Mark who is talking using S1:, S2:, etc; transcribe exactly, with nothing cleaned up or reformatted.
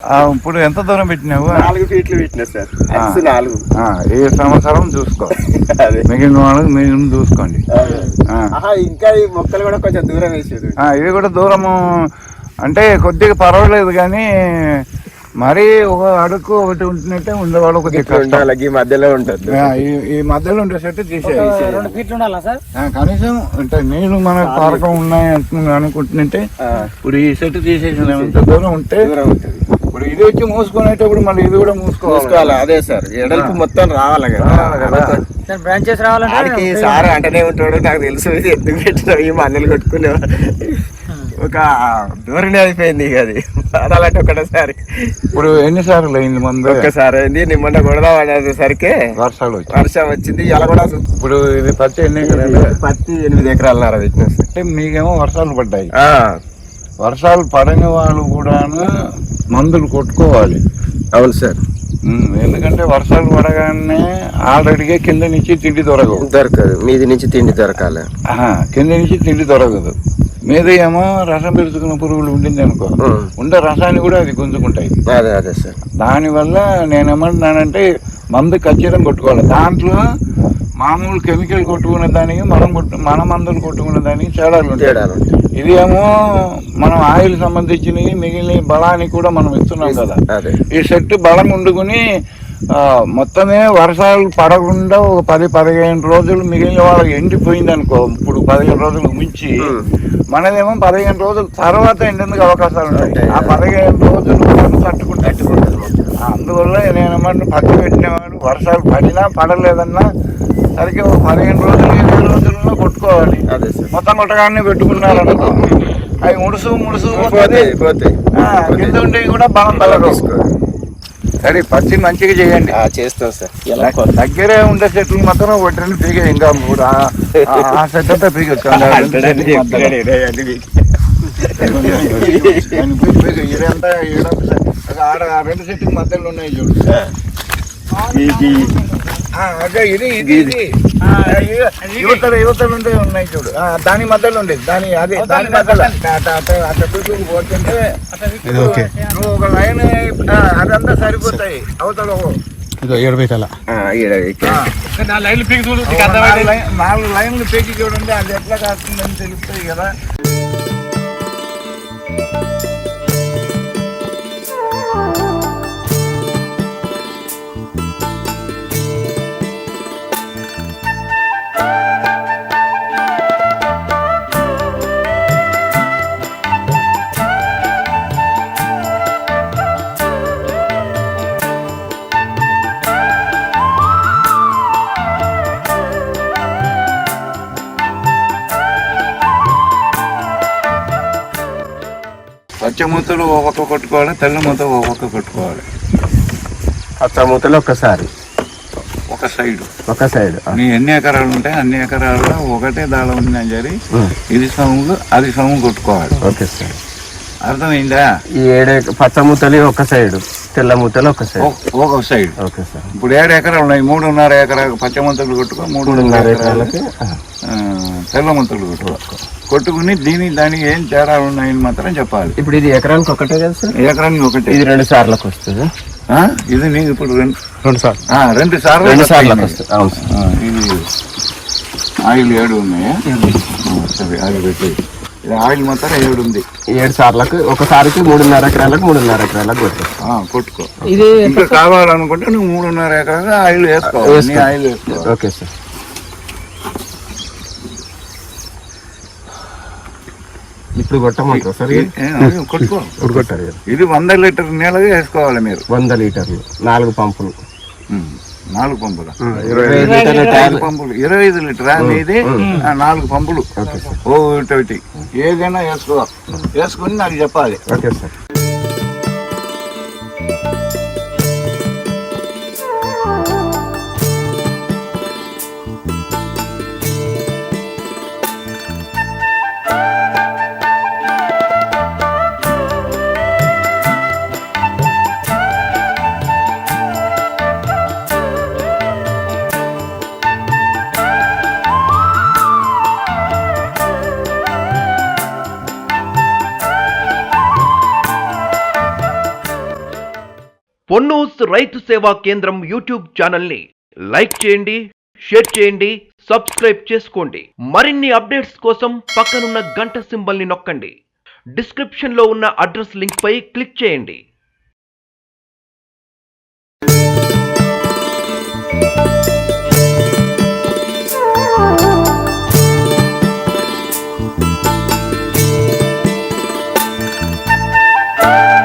S1: ఇప్పుడు ఎంత దూరం పెట్టినావు?
S2: నాలుగు ఫీట్లు పెట్టినా సార్. నాలుగు
S1: ఈ సంవత్సరం చూసుకో, మిగిలిన వాళ్ళకి మిగిలిన చూసుకోండి.
S2: ఇంకా ఈ మొక్కలు కూడా కొంచెం దూరం వేసేది.
S1: ఇవి కూడా దూరము అంటే కొద్దిగా పర్వాలేదు, కానీ మరి ఒక అడుగు ఒకటి ఉంటున్నట్టే ఉండేవాళ్ళు కొద్దిగా
S2: ఈ మధ్యలో ఉంటుంది.
S1: ఈ మధ్యలో ఉండే సెట్ తీసేది
S3: రెండు ఫీట్లు ఉండాలా సార్
S1: కనీసం. అంటే నీళ్లు మన పారకం ఉన్నాయి అనుకుంటున్నట్టే ఇప్పుడు ఈ సెట్ తీసేసిన ఎంత దూరం ఉంటే ఇప్పుడు ఇది వచ్చి మూసుకునేటప్పుడు మళ్ళీ ఇది కూడా మూసుకోవాలి.
S2: అదే సార్, ఎడల్పు మొత్తం రావాలి కదా,
S3: బ్రాంచెస్ రావాలంటే
S2: సార్ అంటనే ఉంటాడు. నాకు తెలుసు ఎందుకు పెట్టినావు ఈ మందులు కొట్టుకునే ఒక ధోరణి అయిపోయింది. ఇక అది అలాంటి ఒకటేసారి.
S1: ఇప్పుడు ఎన్నిసార్లు అయింది మందు?
S2: ఒక్కసారి అయింది. నిమ్మన్న కొడదాం అనేసరికి
S1: వర్షాలు వచ్చి
S2: వర్షం వచ్చింది. ఇలా కూడా
S1: ఇప్పుడు ఇది పత్తి ఎన్ని ఎకరాలు?
S2: పత్తి ఎనిమిది ఎకరాలన్నర పెట్టినా సార్.
S1: అంటే మీకేమో వర్షాలు పడ్డాయి. వర్షాలు పడని వాళ్ళు కూడాను మందులు కొట్టుకోవాలి.
S2: అవును సార్,
S1: ఎందుకంటే వర్షాలు పడగానే ఆల్రెడీగా కింద నుంచి తిండి దొరకదు
S2: దొరకదు మీది నుంచి తిండి దొరకాలి.
S1: కింద నుంచి తిండి దొరకదు. మీద ఏమో రసం పెరుచుకున్న పురుగులు ఉండింది అనుకో, ఉండే రసాన్ని కూడా అది గుంజుకుంటాయి.
S2: అదే అదే సార్.
S1: దానివల్ల నేనేమంటున్నానంటే మందు ఖచ్చితంగా కొట్టుకోవాలి. దాంట్లో మామూలు కెమికల్ కొట్టుకునే దానికి మనం కొట్టు మన మందులు కొట్టుకునే దానికి తేడాలు ఉంటాయి. ఇది ఏమో మనం ఆయిల్ సంబంధించినవి మిగిలిన బలానికి కూడా మనం ఇస్తున్నాం కదా. ఈ సెట్ బలం ఉండుకుని మొత్తమే వర్షాలు పడకుండా ఒక పది పదిహేను రోజులు మిగిలిన వాళ్ళకి ఎండిపోయింది అనుకో, ఇప్పుడు పదిహేను రోజులకు మించి మనదేమో పదిహేను రోజుల తర్వాత ఎండేందుకు అవకాశాలు ఉంటాయి. ఆ పదిహేను రోజులు తట్టుకుంటే అందువల్ల నేనేమంటే పత్తి పెట్టినవాడు వర్షాలు పడినా పడలేదన్నా సరికి ఒక పదిహేను రోజులు ఇరవై రోజుల్లో కొట్టుకోవాలి. మొత్తం కొట్టగానే పెట్టుకున్నారనుకో అవి ముడుసు ముడుసు కింద ఉంటే కూడా బలం బలం. సరే పత్తి మంచిగా చేయండి.
S2: చేస్తాం సార్.
S1: దగ్గరే ఉండే చెట్లు మాత్రం ఒకటి పీకే, ఇంకా ఆ సెట్ అంతా పీకొచ్చు. ఇదంతా ఆడ రెండు చెట్ల మధ్యలో ఉన్నాయి చూడు. అదే ఇది ఇది ఇది యువతలు యువతలు ఉంటే ఉన్నాయి చూడు, దాని మధ్యలో ఉండేది. దాని అదే దాని మధ్యలో అట్లా పీపుల్ పోతుంటే నువ్వు ఒక లైన్ అదంతా సరిపోతాయి. అవతల నాలుగు లైన్లు పీకి చూడండి, అది ఎట్లా కాస్తుందని తెలుస్తాయి కదా. పచ్చ మూతలు ఒక్కొక్క కొట్టుకోవాలి, తెల్ల మూత ఒక్కొక్క కొట్టుకోవాలి.
S2: పచ్చ మూతలు ఒక్కసారి
S1: ఒక సైడ్
S2: ఒక సైడ్
S1: నీ ఎన్ని ఎకరాలు ఉంటాయి అన్ని ఎకరాల్లో ఒకటే దాళం ఉందని సరి ఇది సొమ్ములు అది సొమ్ము కొట్టుకోవాలి.
S2: ఓకే సార్,
S1: అర్థమైందా?
S2: ఈ ఏడు పచ్చ మూతలు ఒక సైడ్, తెల్ల మూతలు ఒక సైడ్
S1: ఒక సైడ్.
S2: Okay sir.
S1: ఇప్పుడు ఏడు ఎకరాలు ఉన్నాయి, మూడున్నర ఎకరాలు పచ్చ మూతలు కొట్టుకో, మూడున్నర ఎకరాలకి తెల్ల మూతలు కొట్టుకో. కొట్టుకుని దీని దానికి ఏం తేడాలు ఉన్నాయని మాత్రం చెప్పాలి.
S2: ఇప్పుడు ఇది ఎకరానికి ఒకటే కదా సార్?
S1: ఎకరానికి ఒకటే.
S2: ఇది రెండు సార్లకు వస్తుంది.
S1: ఇది నీకు ఇప్పుడు రెండు
S2: రెండు సార్లు
S1: రెండు సార్లు
S2: రెండు సార్లకు వస్తుంది. అవును సార్.
S1: ఇది ఆయిల్ ఏడు ఉన్నాయా? సరే ఆయిల్ పెట్టి ఆయిల్ మాత్రం ఏడు ఉంది.
S2: ఏడు సార్లకు ఒకసారికి మూడున్నర ఎకరాలకు మూడున్నర ఎకరాలకు కొట్టుకో
S1: కొట్టుకో. ఇది ఇంకా కావాలనుకుంటే నువ్వు మూడున్నర ఎకరాలు ఆయిల్ వేసుకో. ఆయిల్ వేసుకో.
S2: Okay sir. ఇప్పుడు కొట్టమంటారు సార్?
S1: కొట్టుకో.
S2: ఇప్పుడు కొట్టారు కదా.
S1: ఇది వంద లీటర్ నీళ్ళగా వేసుకోవాలి మీరు.
S2: వంద లీటర్లు నాలుగు పంపులు.
S1: నాలుగు పంపులు ఇరవై పంపులు ఇరవై ఐదు లీటరా ఇది? నాలుగు పంపులు ఒకటి ఏదైనా వేసుకో. వేసుకుని నాకు చెప్పాలి.
S2: Okay sir.
S4: పొన్నూస్ రైతు సేవా కేంద్రం యూట్యూబ్ ఛానల్ని లైక్ చేయండి, షేర్ చేయండి, సబ్స్క్రైబ్ చేసుకోండి. మరిన్ని అప్డేట్స్ కోసం పక్కనున్న గంట సింబల్ని నొక్కండి. డిస్క్రిప్షన్లో ఉన్న అడ్రస్ లింక్ పై క్లిక్ చేయండి.
S5: Thank you.